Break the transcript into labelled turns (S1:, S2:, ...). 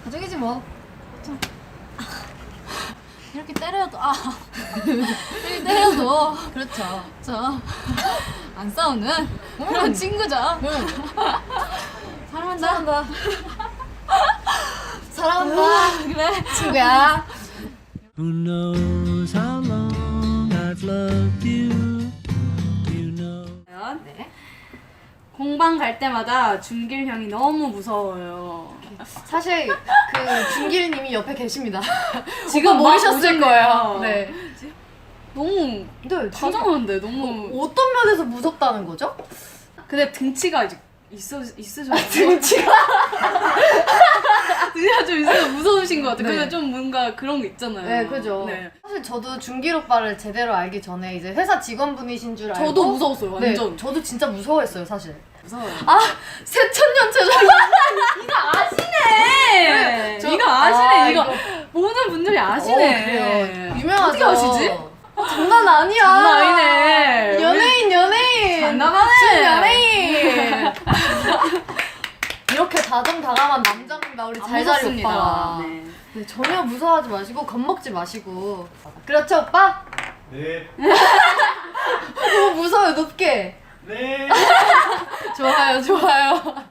S1: 가족이지 뭐.
S2: 이렇게 때려도 이렇게 때려도
S1: 그렇죠.
S2: 안 싸우는 그런 친구죠. 사랑한다.
S1: 사랑한다. 사랑한다.
S2: 그래.
S1: 친구야.
S3: Who knows how long I've loved you? You know.
S1: 네.
S2: 공방 갈 때마다 준길 형이 너무 무서워요.
S1: 사실 그 준길님이 옆에 계십니다.
S2: 지금
S1: 오빠 모르셨을
S2: 오셨네요.
S1: 거예요. 네.
S2: 너무
S1: 근데
S2: 다정한데 너무.
S1: 어떤 면에서 무섭다는 거죠?
S2: 근데 등치가 이제 있으셔서
S1: 등치가
S2: 등치가 좀 있어서 무서우신 것 같아요.
S1: 네.
S2: 근데 좀 뭔가 그런 거 있잖아요.
S1: 네, 그죠.
S2: 네.
S1: 사실 저도 준길 오빠를 제대로 알기 전에 이제 회사 직원분이신 줄 알고
S2: 저도 무서웠어요. 완전.
S1: 네, 저도 진짜 무서워했어요, 사실.
S2: 무서워요.
S1: 아, 새천년체죠.
S2: 이거 아시네.
S1: 저-
S2: 이거 아시네.
S1: 아,
S2: 이거
S1: 이거.
S2: 모든 분들이 아시네.
S1: 그래요. 유명하죠.
S2: 어떻게 아시지?
S1: 장난 아니야.
S2: 장난 아니네.
S1: 연예인.
S2: 장난하네.
S1: 준 연예인. 이렇게 다정다감한 남자입니다, 우리
S2: 안
S1: 잘자리
S2: 무섭습니다.
S1: 오빠가.
S2: 네.
S1: 네, 전혀 무서워하지 마시고 겁먹지 마시고. 그렇죠, 오빠?
S3: 네.
S1: 너무 무서워요, 높게.
S3: 네.
S1: 좋아요, 좋아요.